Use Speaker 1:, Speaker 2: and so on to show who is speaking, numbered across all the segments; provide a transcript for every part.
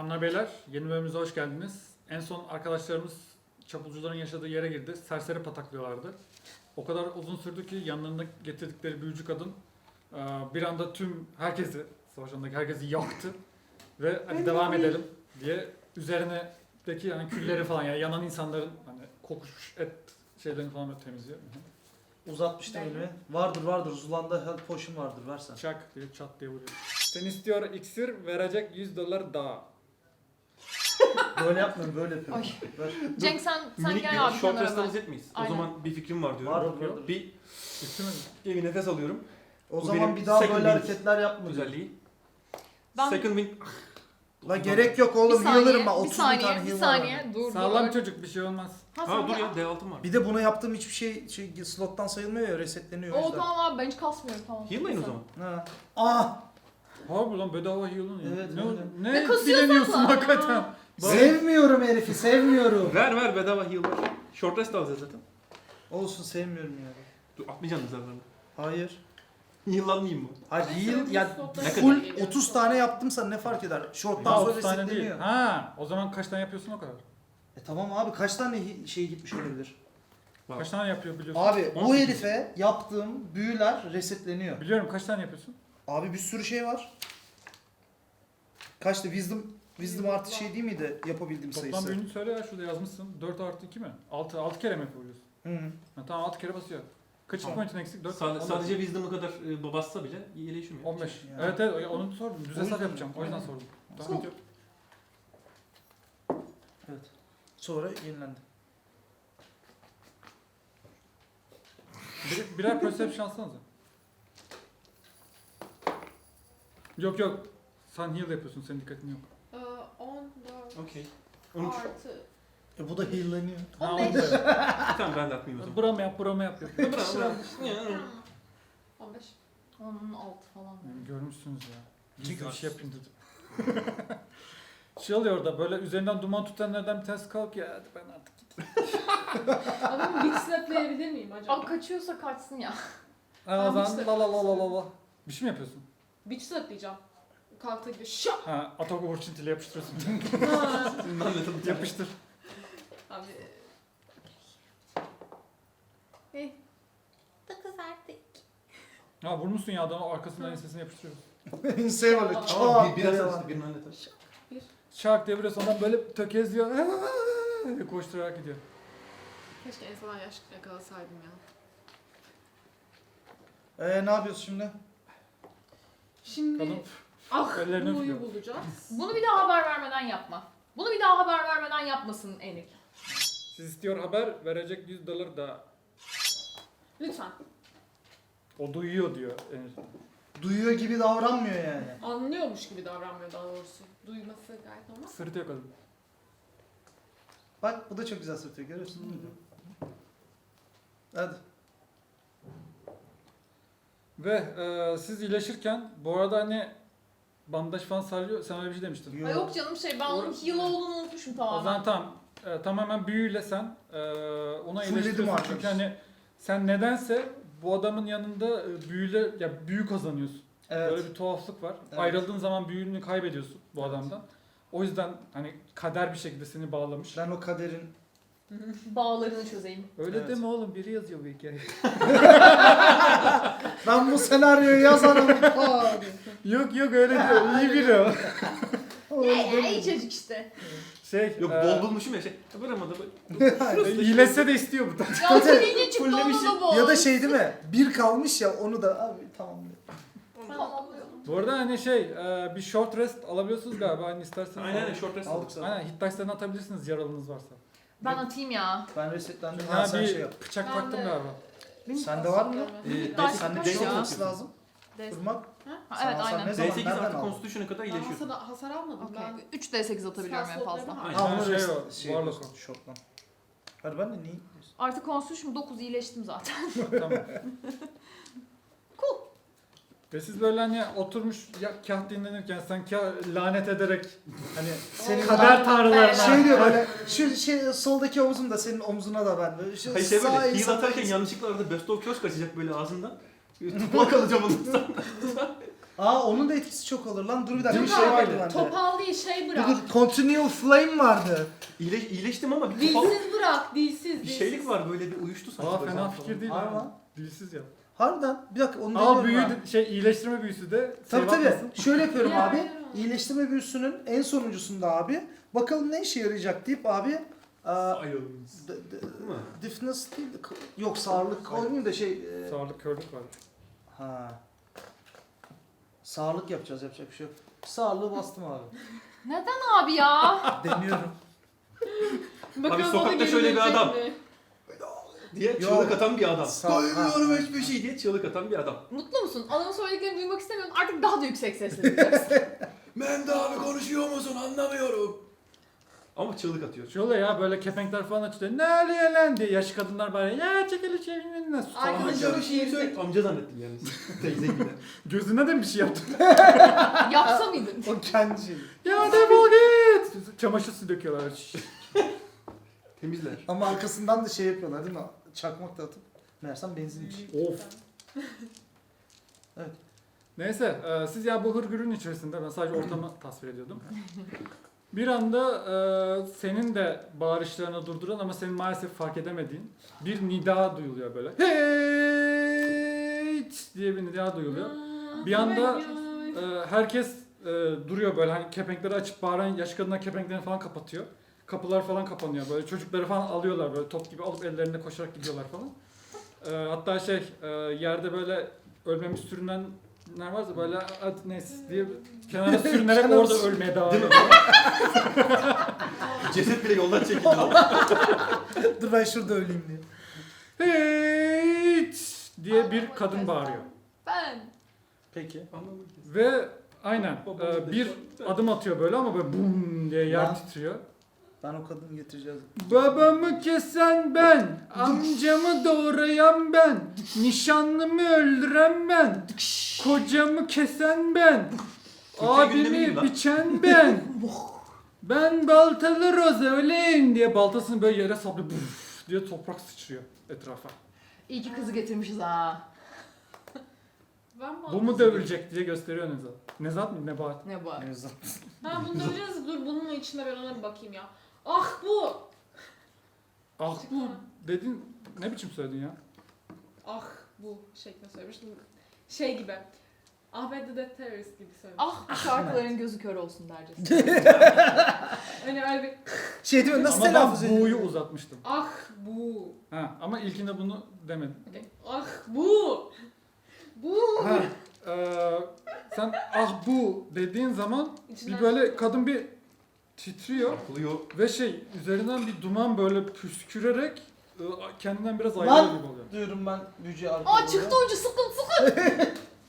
Speaker 1: Hanımlar beyler, yeni bölümümüze hoş geldiniz. En son arkadaşlarımız çapulcuların yaşadığı yere girdi. Serseri pataklıyorlardı. O kadar uzun sürdü ki yanlarında getirdikleri büyücü kadın bir anda tüm herkesi, savaş alanındaki herkesi yaktı. Ve hadi devam edelim diye üzerindeki yani külleri falan yani yanan insanların hani kokuşmuş et şeylerini falan böyle temizliyor.
Speaker 2: Uzatmıştı elimi. Vardır. Zulanda health potion vardır. Versen.
Speaker 1: Çak diye çat diye vuruyor. Sen istiyor iksir verecek $100 daha.
Speaker 2: Böyle yapmıyorum, böyle yapıyorum.
Speaker 3: Ay.
Speaker 2: Ver.
Speaker 3: Cenk sen
Speaker 4: Minik
Speaker 3: gel
Speaker 4: bir
Speaker 3: abi
Speaker 4: short
Speaker 3: kenara
Speaker 4: rest
Speaker 3: ben.
Speaker 4: alacak mıyız?
Speaker 3: Aynen.
Speaker 4: O zaman bir fikrim var diyorum.
Speaker 2: Vardır.
Speaker 4: Bir
Speaker 1: İstemedi.
Speaker 4: bir nefes alıyorum.
Speaker 2: O
Speaker 4: Bu
Speaker 2: zaman
Speaker 4: benim
Speaker 2: bir daha
Speaker 4: second
Speaker 2: böyle
Speaker 4: wind
Speaker 2: hareketler yapma.
Speaker 4: Özelliği.
Speaker 3: Ben
Speaker 4: Second wind.
Speaker 2: La gerek yok
Speaker 3: bir
Speaker 2: oğlum. Healer'ım ben.
Speaker 3: saniye,
Speaker 2: 30
Speaker 3: bir
Speaker 2: bin tane
Speaker 3: saniye, bir
Speaker 2: heal var.
Speaker 3: saniye. Dur.
Speaker 1: Sağlam
Speaker 3: dur.
Speaker 1: çocuk bir şey olmaz.
Speaker 3: Ha,
Speaker 4: Ha dur ya D6'm var.
Speaker 2: Bir de buna yaptığım hiçbir şey slottan sayılmıyor ya, resetleniyor o
Speaker 3: O
Speaker 2: yüzden.
Speaker 3: tamam abi ben hiç kasmıyorum tamam.
Speaker 4: Heal'layın o zaman.
Speaker 2: Ha. Ah!
Speaker 1: Harbi lan bedava heal'ın ya.
Speaker 2: Evet,
Speaker 1: ne,
Speaker 2: öyle.
Speaker 1: ne
Speaker 3: kasıyorsun
Speaker 1: dileniyorsun
Speaker 3: lan?
Speaker 1: hakikaten.
Speaker 2: Sevmiyorum herifi, sevmiyorum.
Speaker 4: Ver bedava heal ver. Short rest alacağız zaten.
Speaker 2: Olsun, sevmiyorum ya.
Speaker 4: Dur atmayacaksın zararını.
Speaker 2: Hayır.
Speaker 4: Heal'lanmayayım mı?
Speaker 2: Hayır, heal ya
Speaker 4: Ne
Speaker 2: full
Speaker 4: kadar?
Speaker 2: 30 tane yaptımsa ne fark eder? Short'tan
Speaker 1: Daha
Speaker 2: sonra
Speaker 1: 30 tane değil.
Speaker 2: resetleniyor.
Speaker 1: Ha, o zaman kaç tane yapıyorsun o kadar?
Speaker 2: Tamam abi, kaç tane şey gitmiş olabilir?
Speaker 1: Kaç tane yapıyor biliyorsun?
Speaker 2: Abi bu
Speaker 4: 18.
Speaker 2: herife yaptığım büyüler resetleniyor.
Speaker 1: Biliyorum kaç tane yapıyorsun?
Speaker 2: Abi bir sürü şey var. Kaçtı? Wisdom artı şey değil miydi yapabildiğim
Speaker 1: Toplam
Speaker 2: sayısı?
Speaker 1: büyüğünü söyle ya şurada yazmışsın. 4 artı 2 mi? 6 kere mi yapabiliyorsun?
Speaker 2: Hı.
Speaker 1: Ha, tamam 6 kere basıyor. Kaç
Speaker 2: Tamam.
Speaker 1: point'in eksik? 4
Speaker 4: Sadece wisdom'ı kadar bassa bile iyileşiyor.
Speaker 1: 15.
Speaker 2: Yani.
Speaker 1: Evet onu sordum. Düz
Speaker 2: O
Speaker 1: hesap
Speaker 2: yüzden-
Speaker 1: yapacağım. O yüzden
Speaker 2: Aynen.
Speaker 1: sordum.
Speaker 2: Tamam.
Speaker 1: Sıkıntı yok.
Speaker 2: Evet. Sonra yenilendi.
Speaker 1: Birer perception alsanıza. Yok. Sen heal yapıyorsun. Senin dikkatin yok.
Speaker 3: 14
Speaker 4: Okey. 13.
Speaker 3: artı
Speaker 2: Bu da heal'leniyor.
Speaker 1: Ha,
Speaker 3: 15.
Speaker 1: onu da-
Speaker 4: Tamam ben de atmayayım o zaman.
Speaker 1: Buramı yap.
Speaker 4: Bırak.
Speaker 3: 15. 16 falan.
Speaker 1: Yani görmüşsünüz ya.
Speaker 2: Çünkü-
Speaker 1: Gizli bir şey yapayım dedim. Şey oluyor orada böyle üzerinden duman tutanlardan bir tanesi kalk ya hadi ben artık gideyim.
Speaker 5: Adamı big slaplayabilir miyim acaba?
Speaker 3: Aa kaçıyorsa kaçsın ya.
Speaker 1: Ha, o
Speaker 5: Tamam
Speaker 1: zaman
Speaker 5: işte.
Speaker 1: la. Bir şey mi yapıyorsun?
Speaker 5: Bitch slaplayacağım. Kalktı gidiyor. Şap!
Speaker 1: Ha atak overchintiyle yapıştırıyorsun.
Speaker 5: Ha.
Speaker 1: Yapıştır.
Speaker 5: Abi.
Speaker 3: Hey. 9 artı 2.
Speaker 1: Ha vurmuşsun ya adamın arkasından ensesine yapıştırıyorsun.
Speaker 2: Insane böyle
Speaker 5: Tamam,
Speaker 2: çat
Speaker 4: Bir biraz
Speaker 2: diye
Speaker 4: işte
Speaker 2: var.
Speaker 4: birini hallet.
Speaker 1: Şark diye vuruyorsun adam böyle tökezliyor. diye koşturarak gidiyor.
Speaker 5: Keşke en son yaş yakalasaydım ya.
Speaker 2: Ne yapıyoruz şimdi?
Speaker 5: Şimdi
Speaker 1: Kadın ellerini
Speaker 5: Blue'yu
Speaker 1: öpüyor.
Speaker 5: bulacağız.
Speaker 3: Bunu bir daha haber vermeden yapma. Bunu bir daha haber vermeden yapmasın Enik.
Speaker 1: Siz istiyor haber verecek $100 daha.
Speaker 5: Lütfen.
Speaker 1: O duyuyor diyor. Enes.
Speaker 2: Duyuyor gibi davranmıyor yani.
Speaker 5: Anlıyormuş gibi davranmıyor daha doğrusu. Duyması gayet normal.
Speaker 1: Sırıtıyor kadın.
Speaker 2: Bak bu da çok güzel sırtıyor, görüyorsun değil mi? Hadi.
Speaker 1: Ve siz iyileşirken bu arada hani bandaj falan sarıyor. Sen öyle bir şey demiştin.
Speaker 3: Ay yok canım ben onun heal olduğunu unutmuşum
Speaker 1: O
Speaker 3: tamamen.
Speaker 1: zaman tamam. Tamamen büyüyle sen ona
Speaker 2: Fullledim
Speaker 1: iyileştiriyorsun.
Speaker 2: arkadaş.
Speaker 1: Çünkü hani sen nedense bu adamın yanında büyüyle ya büyü kazanıyorsun.
Speaker 2: Evet.
Speaker 1: Böyle bir tuhaflık var.
Speaker 2: Evet.
Speaker 1: Ayrıldığın zaman büyünü kaybediyorsun bu adamdan. O yüzden hani kader bir şekilde seni bağlamış.
Speaker 2: Ben o kaderin...
Speaker 3: Bağlarını çözeyim.
Speaker 1: Öyle
Speaker 2: Evet.
Speaker 1: deme oğlum biri yazıyor bu hikayeyi.
Speaker 2: Ben bu senaryoyu yazarım. Abi.
Speaker 1: yok öyle diyor. İyi biri o.
Speaker 3: İyi çocuk işte.
Speaker 1: Şey,
Speaker 4: Yok bol bulmuşum ya şey. Vuramadı.
Speaker 1: İyileşse de istiyor bu da.
Speaker 3: Ya seninle çıktı onu
Speaker 4: Fullemişim.
Speaker 3: da bol.
Speaker 2: Ya da şey değil mi? Bir kalmış ya, onu da abi tamam.
Speaker 3: Tamamlıyorum.
Speaker 1: Bu arada hani bir short rest alabiliyorsunuz galiba hani isterseniz.
Speaker 4: Aynen short rest
Speaker 2: Aldık
Speaker 4: aldık.
Speaker 2: zaten.
Speaker 1: Aynen hit dice'larını atabilirsiniz yaralınız varsa.
Speaker 3: Ben atayım ya.
Speaker 2: Ben resetlendim.
Speaker 1: Ha,
Speaker 2: Ha, sen
Speaker 1: bir
Speaker 2: şey yap.
Speaker 1: bıçak
Speaker 5: Ben
Speaker 1: taktım
Speaker 5: de-
Speaker 1: galiba.
Speaker 2: Sende var mı?
Speaker 3: Ders
Speaker 2: Sende
Speaker 3: kaç
Speaker 2: şey
Speaker 3: ya?
Speaker 2: olması lazım.
Speaker 5: Des-
Speaker 2: Kurmak.
Speaker 3: Ha,
Speaker 2: Sen
Speaker 3: evet
Speaker 2: alsan
Speaker 3: aynen.
Speaker 2: ne zaman?
Speaker 4: D8
Speaker 2: Nereden
Speaker 4: artı
Speaker 2: aldın?
Speaker 4: Constitution'a kadar
Speaker 5: Ben
Speaker 4: iyileşiyorsun.
Speaker 5: hasar almadım.
Speaker 3: Okey.
Speaker 5: Ben
Speaker 3: 3 D8 atabiliyorum en fazla.
Speaker 4: Aynen.
Speaker 2: Ha onu
Speaker 1: Şey
Speaker 2: rest
Speaker 1: o,
Speaker 2: şey
Speaker 1: varlık
Speaker 2: yapıyorsun, shot'tan. Hadi ben de niye?
Speaker 3: Artık Constitution 9 iyileştim zaten.
Speaker 1: Tamam.
Speaker 3: Cool.
Speaker 1: Ve siz böyle hani oturmuş kah dinlenirken sen kah lanet ederek hani
Speaker 2: Senin
Speaker 1: kader tanrılarına.
Speaker 2: şey diyor böyle, şu şey soldaki omuzum da senin omzuna da ben böyle. Şu
Speaker 4: Hayır şey böyle
Speaker 2: sağ
Speaker 4: heal
Speaker 2: insan-
Speaker 4: atarken yanlışlıkla arada Best of Köz kaçacak böyle ağzından. Tutmak alacağım onu.
Speaker 2: Aa onun da etkisi çok olur lan. Dur bir dakika
Speaker 5: Dur
Speaker 2: bir şey
Speaker 5: abi,
Speaker 2: vardı bende.
Speaker 5: Topal değil şey
Speaker 2: Dur
Speaker 5: bırak.
Speaker 2: dur. Continual Flame vardı.
Speaker 4: İyileştim ama bir topal,
Speaker 5: Dilsiz bırak, dilsiz.
Speaker 4: bir şeylik var böyle bir uyuştu sanki.
Speaker 1: Aa
Speaker 4: böyle
Speaker 1: fena
Speaker 4: falan.
Speaker 1: fikir değil
Speaker 2: Var
Speaker 1: ha.
Speaker 2: mı?
Speaker 1: Dilsiz ya.
Speaker 2: Harbiden. Bir dakika onu
Speaker 1: Aa
Speaker 2: deniyorum
Speaker 1: büyü
Speaker 2: ben.
Speaker 1: iyileştirme büyüsü de
Speaker 2: Tabii
Speaker 1: save
Speaker 2: tabii.
Speaker 1: atmasın.
Speaker 2: Şöyle yapıyorum
Speaker 5: Ya,
Speaker 2: abi.
Speaker 5: ya.
Speaker 2: İyileştirme büyüsünün en sonuncusunda abi. Bakalım ne işe yarayacak deyip abi.
Speaker 4: Ayağımız.
Speaker 2: D- d-
Speaker 4: Değil mi?
Speaker 2: Deafness değil de yok sağırlık olmayayım da şey.
Speaker 1: Sağlık körlük var.
Speaker 2: Ha. Sağırlık yapacağız yapacak bir şey yok. Sağırlığı bastım abi.
Speaker 3: Neden abi ya?
Speaker 2: Deniyorum.
Speaker 5: Bakalım o da
Speaker 4: sokakta
Speaker 5: geri
Speaker 4: şöyle bir
Speaker 5: dönecek
Speaker 4: adam.
Speaker 5: mi?
Speaker 4: Diye
Speaker 2: Yok.
Speaker 4: çığlık atan bir adam.
Speaker 2: Doymuyorum
Speaker 4: hiçbir şey diye çığlık atan bir adam.
Speaker 3: Mutlu musun? Adamın söylediklerini duymak istemiyorsun. Artık daha da yüksek sesle duyacaksın.
Speaker 4: Mende abi konuşuyor musun anlamıyorum. Ama çığlık atıyor.
Speaker 1: Şöyle ya böyle kepenkler falan açıyor. Ne oluyor lan diye yaşlı kadınlar böyle ya çekili çevirin nasıl falan.
Speaker 5: Arkadaşım
Speaker 4: Amca bir şey söyle. Amca zannettim yani. Teyze gibi.
Speaker 1: Gözüne de mi bir şey yaptın?
Speaker 3: Yapsa mıydın?
Speaker 2: O kendi şeyi.
Speaker 1: Ya defol git. Çamaşır suyu döküyorlar.
Speaker 4: Temizler.
Speaker 2: Ama arkasından da şey yapıyorlar değil mi? Çakmak da atıp. Meğersem benzinmiş.
Speaker 1: Of. Neyse siz ya bu hırgürün içerisinde ben sadece ortamı tasvir ediyordum. Bir anda senin de bağırışlarını durduran ama senin maalesef fark edemediğin bir nida duyuluyor böyle. Hey diye bir nida duyuluyor. Bir anda herkes duruyor böyle hani kepenkleri açıp bağıran yaş kadınlar kepenklerini falan kapatıyor. Kapılar falan kapanıyor böyle çocukları falan alıyorlar böyle top gibi alıp ellerinde koşarak gidiyorlar falan. Hatta yerde böyle ölmemiş sürünenler varsa böyle hadi neyse diye kenara sürünerek
Speaker 2: Kenara
Speaker 1: orada
Speaker 2: sür-
Speaker 1: ölmeye devam
Speaker 4: Değil mi?
Speaker 1: ediyor.
Speaker 4: Ceset bile yoldan çekildi.
Speaker 2: Dur ben şurada öleyim diye.
Speaker 1: Hey diye bir kadın bağırıyor.
Speaker 3: Ben.
Speaker 2: Peki.
Speaker 1: Ve aynen bir adım atıyor böyle ama böyle bum diye yer
Speaker 2: Lan.
Speaker 1: titriyor.
Speaker 2: Ben o kadını getireceğiz.
Speaker 1: Babamı kesen ben, amcamı doğrayan ben, nişanlımı öldüren ben, kocamı kesen ben,
Speaker 4: Türkiye gündemi gibi
Speaker 1: abimi
Speaker 4: lan.
Speaker 1: biçen ben. Ben baltalı Roza öyleyim diye baltasını böyle yere saplıyor buf diye toprak sıçrıyor etrafa.
Speaker 3: İyi ki kızı getirmişiz ha.
Speaker 5: Ben
Speaker 1: Bu mu dövülecek diye gösteriyor Nezat. Nezat mı? Nebahat.
Speaker 3: Ne bu?
Speaker 2: Nevzat.
Speaker 5: Ha bunu döveceğiz. Dur bunun içinde ben ona bir bakayım ya. Ah bu.
Speaker 1: Ah bu dedin ne biçim söyledin ya?
Speaker 5: Ah bu şeklinde söylemiştim. Şey gibi. Ahmet the Death Terrorist gibi söylemiştim.
Speaker 3: Ah bu şarkıların gözü kör olsun dercesine.
Speaker 5: Hani öyle bir
Speaker 2: Şey değil mi? Nasıl
Speaker 1: Ama ben
Speaker 2: telaffuz
Speaker 1: bu'yu
Speaker 2: ediyor?
Speaker 1: uzatmıştım.
Speaker 5: ah bu.
Speaker 1: Ha, ama ilkinde bunu demedim.
Speaker 5: Okay. Ah bu. Bu.
Speaker 1: Ha, sen ah bu dediğin zaman
Speaker 5: İçinden
Speaker 1: bir böyle kadın bir titriyor
Speaker 4: Çarpılıyor.
Speaker 1: ve üzerinden bir duman böyle püskürerek kendinden biraz ayrılıyor
Speaker 2: Lan!
Speaker 1: gibi oluyor.
Speaker 2: Diyorum ben büyücüye arkada.
Speaker 3: Aa çıktı ucu sıkın sıkın.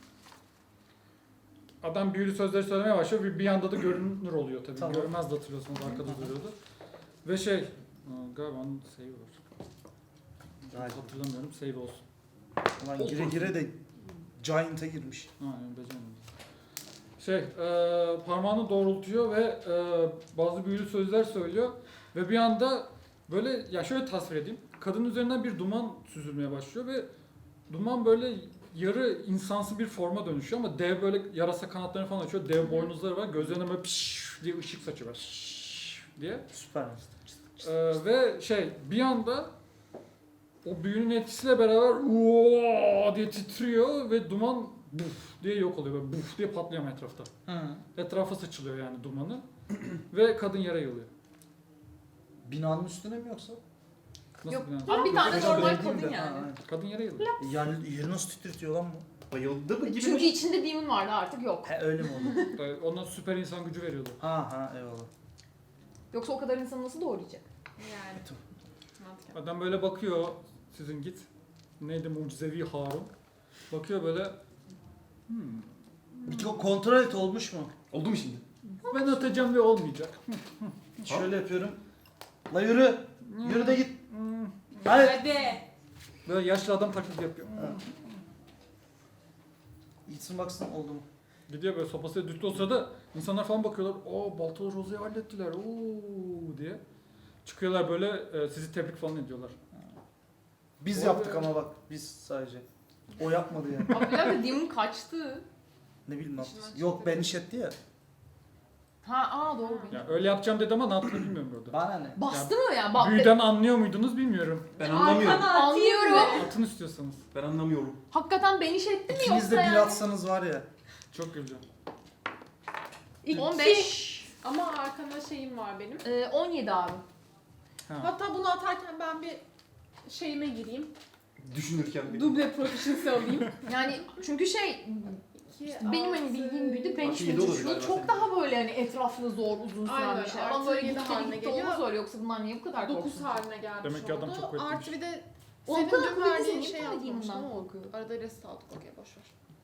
Speaker 1: Adam büyülü sözleri söylemeye başlıyor ve bir anda da görünür oluyor tabii.
Speaker 2: Tamam.
Speaker 1: Görmez de hatırlıyorsunuz arkada duruyordu. Ve galiba onun save var.
Speaker 2: Galiba.
Speaker 1: Hatırlamıyorum save olsun.
Speaker 2: Ulan gire gire de Giant'a girmiş.
Speaker 1: Ha, yani beceremedim. Parmağını doğrultuyor ve bazı büyülü sözler söylüyor ve bir anda böyle ya şöyle tasvir edeyim. Kadının üzerinden bir duman süzülmeye başlıyor ve duman böyle yarı insansı bir forma dönüşüyor ama dev böyle yarasa kanatlarını falan açıyor. Dev boynuzları var. Gözlerine böyle piş diye ışık saçıyor böyle şşş diye.
Speaker 2: Süper.
Speaker 1: Ve bir anda o büyünün etkisiyle beraber uoo diye titriyor ve duman buf diye yok oluyor. Böyle buf diye patlıyor etrafta.
Speaker 2: Hı.
Speaker 1: Etrafa saçılıyor yani dumanı. Ve kadın yere yığılıyor.
Speaker 2: Binanın üstüne mi yoksa?
Speaker 1: Nasıl
Speaker 3: Yok,
Speaker 1: yani?
Speaker 3: abi bir tane
Speaker 2: Yok,
Speaker 3: normal
Speaker 2: öyle değil
Speaker 3: kadın
Speaker 2: de.
Speaker 3: yani.
Speaker 2: Ha, aynen.
Speaker 1: Kadın yere yığılıyor.
Speaker 2: Yani yeri nasıl titretiyor lan bu?
Speaker 4: Bayıldı mı gibi.
Speaker 3: Çünkü içinde demon vardı artık yok.
Speaker 2: He öyle mi oldu?
Speaker 1: Ona süper insan gücü veriyordu.
Speaker 2: ha eyvallah.
Speaker 3: Yoksa o kadar insanı nasıl doğrayacak?
Speaker 5: Yani. Mantıken.
Speaker 1: Adam böyle bakıyor sizin git. Neydi mucizevi Harun. Bakıyor böyle
Speaker 2: Bir kontrol et olmuş mu?
Speaker 4: Oldu mu şimdi?
Speaker 1: ben atacağım ve olmayacak.
Speaker 2: Şöyle yapıyorum. La yürü. Yürü de git.
Speaker 1: Hmm.
Speaker 2: Hadi.
Speaker 5: Hadi.
Speaker 1: Böyle yaşlı adam taklidi yapıyor.
Speaker 2: Gitsin baksın oldu mu?
Speaker 1: Gidiyor böyle sopasıyla düştü o sırada insanlar falan bakıyorlar. Oo Baltalı Roza'yı hallettiler. Oo diye. Çıkıyorlar böyle sizi tebrik falan ediyorlar.
Speaker 2: Biz
Speaker 1: Vay
Speaker 2: yaptık
Speaker 1: be.
Speaker 2: ama bak biz sadece. O yapmadı yani.
Speaker 3: Abi bir dakika demon kaçtı.
Speaker 2: Ne bileyim ne
Speaker 5: İçinden
Speaker 2: yaptı. Yok
Speaker 5: çıktı.
Speaker 2: ben işetti ya.
Speaker 3: Doğru.
Speaker 1: Ya öyle yapacağım dedi ama ne yaptığını bilmiyorum burada.
Speaker 2: Bana ne?
Speaker 3: Bastı mı yani? Bak,
Speaker 1: Büyüden anlıyor muydunuz bilmiyorum.
Speaker 4: Ben anlamıyorum.
Speaker 5: Arkana atayım
Speaker 3: Anlıyorum.
Speaker 5: mı?
Speaker 1: Atın istiyorsanız.
Speaker 4: Ben anlamıyorum.
Speaker 3: hakikaten beni şey etti mi
Speaker 2: İkiniz de
Speaker 3: yoksa
Speaker 2: bir
Speaker 3: yani?
Speaker 2: atsanız var ya.
Speaker 1: Çok güleceğim.
Speaker 5: 2.
Speaker 3: 15.
Speaker 5: Ama arkana şeyim var benim.
Speaker 3: 17 abi.
Speaker 1: Ha.
Speaker 5: Hatta bunu atarken ben bir şeyime gireyim.
Speaker 4: Düşünürken bir.
Speaker 5: Duble proficiency alayım.
Speaker 3: Yani çünkü şey benim hani bildiğim büyüdü ben
Speaker 4: Artı yedi olur
Speaker 3: şu
Speaker 4: galiba
Speaker 3: çok
Speaker 4: senin.
Speaker 3: daha böyle hani etraflı zor uzun süren
Speaker 5: Aynen,
Speaker 3: bir şey.
Speaker 5: artı
Speaker 3: Ama böyle
Speaker 5: yedi
Speaker 3: gitti
Speaker 5: haline
Speaker 3: gitti
Speaker 5: geliyor.
Speaker 3: olmaz öyle yoksa bunlar niye bu kadar
Speaker 5: 9
Speaker 3: korksun?
Speaker 5: haline gelmiş
Speaker 1: Demek ki adam
Speaker 5: oldu.
Speaker 1: çok kuvvetliymiş.
Speaker 5: Artı bir de
Speaker 3: O
Speaker 5: senin
Speaker 3: kadar
Speaker 5: dün
Speaker 3: kuvvetli
Speaker 5: verdiğin
Speaker 3: niye
Speaker 5: şey
Speaker 3: kuvvetliyim
Speaker 5: yapmıştım
Speaker 3: bundan
Speaker 5: ama
Speaker 3: korkuyor?
Speaker 5: arada rest aldık. Okey boşver.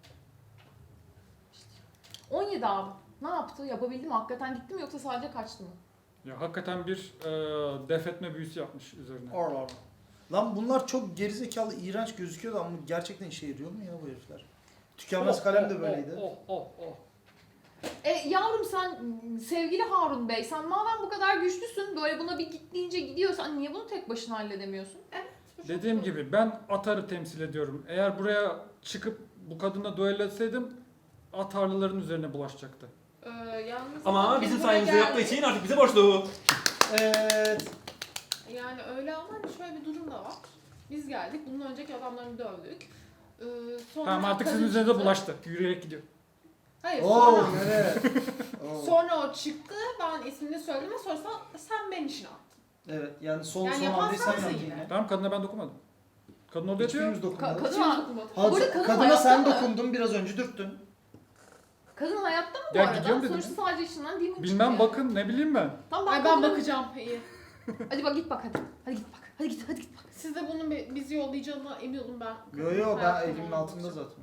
Speaker 3: 17 abi. Ne yaptı? Yapabildi mi? Hakikaten gitti mi yoksa sadece kaçtı mı?
Speaker 1: Ya hakikaten bir def etme büyüsü yapmış üzerine.
Speaker 2: Allah. Lan bunlar çok gerizekalı, iğrenç gözüküyordu ama gerçekten işe yarıyor mu ya bu herifler? Tükenmez kalem de böyleydi.
Speaker 1: Oh.
Speaker 3: Yavrum sen sevgili Harun Bey sen madem bu kadar güçlüsün böyle buna bir git deyince gidiyorsan niye bunu tek başına halledemiyorsun?
Speaker 5: Bu çok
Speaker 1: Dediğim
Speaker 5: zor.
Speaker 1: gibi ben Atar'ı temsil ediyorum. Eğer buraya çıkıp bu kadınla duello etseydim Atarlıların üzerine bulaşacaktı.
Speaker 5: Yalnız
Speaker 4: Ama
Speaker 5: biz
Speaker 4: bizim
Speaker 5: buraya
Speaker 4: sayemizde yaptığı
Speaker 5: geldik.
Speaker 4: için artık bize borçlu.
Speaker 2: Evet.
Speaker 5: Yani öyle ama hani şöyle bir durum da var. Biz geldik. Bunun önceki adamlarını dövdük. Sonra
Speaker 1: Tamam artık sizin
Speaker 5: kadın
Speaker 1: üzerinize
Speaker 5: çıktı.
Speaker 1: bulaştı. Yürüyerek gidiyor.
Speaker 5: Hayır
Speaker 2: Oo
Speaker 5: sonra,
Speaker 2: evet. Oo.
Speaker 5: sonra o çıktı. Ben ismini söyledim ve sonra sen ben işine attın.
Speaker 2: Evet yani son
Speaker 5: Yani
Speaker 2: son
Speaker 5: yapan
Speaker 2: hamleyi sen
Speaker 5: sensin
Speaker 2: yaptın
Speaker 5: yine.
Speaker 2: yine.
Speaker 1: Tamam kadına ben dokunmadım. Kadın orada yatıyor.
Speaker 2: Hiçbirimiz dokunmadık.
Speaker 3: Kadın-
Speaker 5: Hiçbir dokunmadı.
Speaker 2: Ha,
Speaker 3: Bu arada kadın
Speaker 2: kadına
Speaker 3: hayatta
Speaker 2: sen
Speaker 3: mı?
Speaker 2: dokundun biraz önce dürttün.
Speaker 3: Kadın hayatta mı bu
Speaker 1: Ya
Speaker 3: arada?
Speaker 1: gidiyorum dedim.
Speaker 3: Sonuçta sadece içinden demon
Speaker 1: Bilmem
Speaker 3: çıkıyor.
Speaker 1: bakın ne bileyim ben.
Speaker 3: Tamam
Speaker 5: Ay ben
Speaker 3: kadına-
Speaker 5: bakacağım. İyi.
Speaker 3: Hadi bak git bak hadi. Hadi git bak. Hadi git bak.
Speaker 5: Siz de bunun bizi yollayacağına emin olun ben.
Speaker 2: Yo yo ben
Speaker 5: Hayatımda
Speaker 2: elimin
Speaker 5: olmamış.
Speaker 2: altında zaten.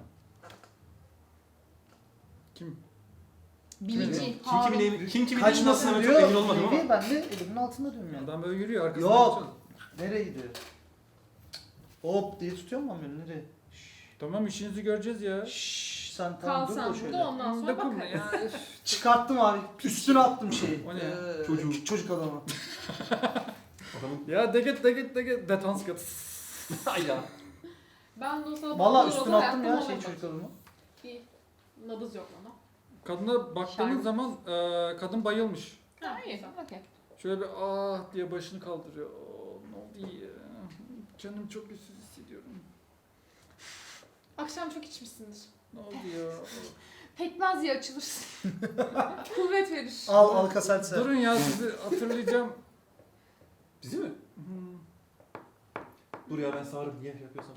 Speaker 1: Kim?
Speaker 3: Bilici.
Speaker 4: Kim kimin
Speaker 2: Kaçmasın
Speaker 4: çok
Speaker 2: diyor.
Speaker 4: emin olmadım ama.
Speaker 2: Neyi? Ben de elimin altında diyorum yani.
Speaker 1: Adam böyle yürüyor arkasından.
Speaker 2: Yok.
Speaker 1: geçiyor.
Speaker 2: Nereye gidiyor? Hop diye tutuyor mu beni nereye?
Speaker 1: Tamam işinizi göreceğiz ya.
Speaker 2: Şşş sen
Speaker 5: Kal
Speaker 2: tamam dur
Speaker 5: sen
Speaker 2: da
Speaker 5: burada
Speaker 2: şöyle.
Speaker 5: ondan sonra
Speaker 1: Dokunma
Speaker 5: bakarız.
Speaker 1: ya.
Speaker 2: Çıkarttım abi. Üstüne attım şeyi.
Speaker 1: O ne?
Speaker 4: Çocuğu.
Speaker 2: Çocuk adamı.
Speaker 4: Adamın.
Speaker 1: Ya de git. Detans git.
Speaker 4: Ay ya.
Speaker 5: Ben de o sırada
Speaker 2: Valla
Speaker 5: bakıyorum,
Speaker 2: üstüne attım ya
Speaker 5: hayatta
Speaker 2: şey
Speaker 5: olmadı.
Speaker 2: çocuk adamı.
Speaker 5: Bir nabız yok ona.
Speaker 1: Kadına baktığınız
Speaker 3: Şarkı.
Speaker 1: zaman kadın bayılmış.
Speaker 5: Ha,
Speaker 3: İyi.
Speaker 5: güzel.
Speaker 3: Okey.
Speaker 1: Şöyle bir ah diye başını kaldırıyor. Ne oldu ya? Canım çok güçsüz hissediyorum.
Speaker 5: Akşam çok içmişsindir.
Speaker 1: Ne oldu ya?
Speaker 3: Pekmez ya açılırsın.
Speaker 5: Kuvvet verir.
Speaker 2: Al Alka-Seltzer.
Speaker 1: Durun ya sizi hatırlayacağım.
Speaker 4: Bizi mi?
Speaker 1: Hmm.
Speaker 4: Dur ya ben sağırım niye şey yapıyorsam.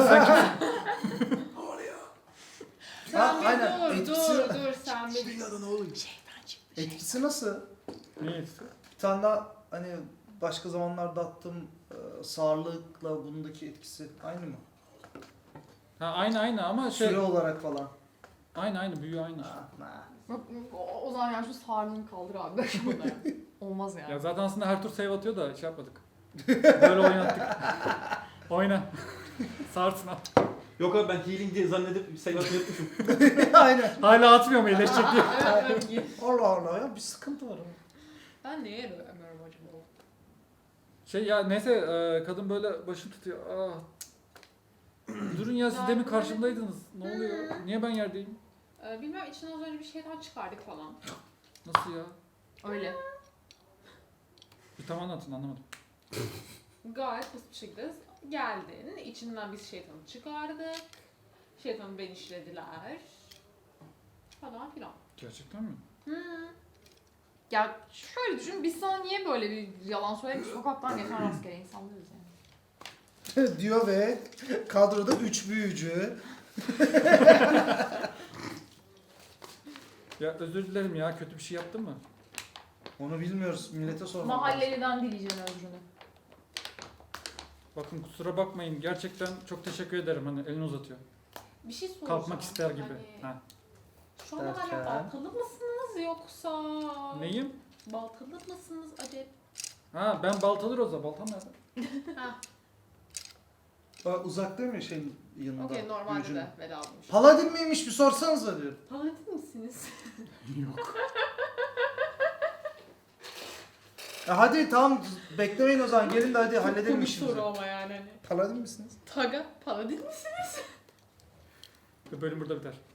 Speaker 5: Sen
Speaker 2: Ha,
Speaker 5: bir
Speaker 2: aynen.
Speaker 5: dur
Speaker 2: Etkisi-
Speaker 5: dur sen bir dur.
Speaker 4: Adını oğlum.
Speaker 2: Etkisi nasıl?
Speaker 1: Neyse.
Speaker 2: Bir tane daha hani başka zamanlarda attığım sağırlıkla bundaki etkisi aynı mı?
Speaker 1: Ha aynı ama şey
Speaker 2: Süre olarak falan.
Speaker 1: aynı büyüğü aynı. işte.
Speaker 2: Ha, ha.
Speaker 3: Yok, o zaman yani şu sarlığını kaldır abi. Böyle buna ya. Olmaz yani.
Speaker 1: Ya zaten aslında her tur save atıyor da şey yapmadık. Böyle oynattık. Oyna. Sarsın at.
Speaker 4: Yok abi ben healing diye zannedip sayılarını yapmışım.
Speaker 2: Aynen.
Speaker 1: Hala atmıyor mu iyileşecek diye.
Speaker 5: Evet, evet.
Speaker 2: Allah Allah ya bir sıkıntı var ama.
Speaker 5: Ben neye ömürüm acaba?
Speaker 1: Şey ya neyse kadın böyle başını tutuyor. Ah. Durun ya siz demin karşımdaydınız. Ne oluyor? Niye ben yerdeyim?
Speaker 5: Bilmem içinden az önce bir şeyden çıkardık falan.
Speaker 1: Nasıl ya?
Speaker 3: Öyle.
Speaker 1: Bir tam anlatın anlamadım.
Speaker 5: Gayet basit bir şekilde geldin. İçinden biz şeytanı çıkardık. Şeytanı ben işlediler. Falan filan.
Speaker 1: Gerçekten mi?
Speaker 3: Ya şöyle düşün biz sana niye böyle bir yalan söyledik? Sokaktan geçen rastgele insanlarız yani.
Speaker 2: Diyor ve kadroda 3 büyücü.
Speaker 1: Ya özür dilerim ya kötü bir şey yaptım mı?
Speaker 2: Onu bilmiyoruz. Millete sormak lazım.
Speaker 3: Mahalleliden dileyeceksin özrünü.
Speaker 1: Bakın kusura bakmayın gerçekten çok teşekkür ederim hani elini uzatıyor.
Speaker 5: Bir şey soracağım.
Speaker 1: Kalkmak ister gibi.
Speaker 5: Hani,
Speaker 1: Ha.
Speaker 5: şu anda hala
Speaker 2: Derken?
Speaker 5: baltalı mısınız yoksa?
Speaker 1: Neyim?
Speaker 5: Baltalı mısınız acaba?
Speaker 1: Ha ben baltalı Roza. Baltam nerede?
Speaker 5: Ha,
Speaker 2: Bak uzak değil mi şeyin yanında?
Speaker 5: okey normalde
Speaker 2: büyücünün?
Speaker 5: de vedalıymış.
Speaker 2: Paladin miymiş bir sorsanıza diyor.
Speaker 5: Paladin misiniz?
Speaker 1: Yok.
Speaker 2: Hadi tamam beklemeyin o zaman gelin de hadi halledelim
Speaker 5: Komik
Speaker 2: işimizi.
Speaker 5: soru ama yani hani.
Speaker 2: Paladin misiniz?
Speaker 5: Taga, paladin misiniz?
Speaker 1: Bölüm burada biter.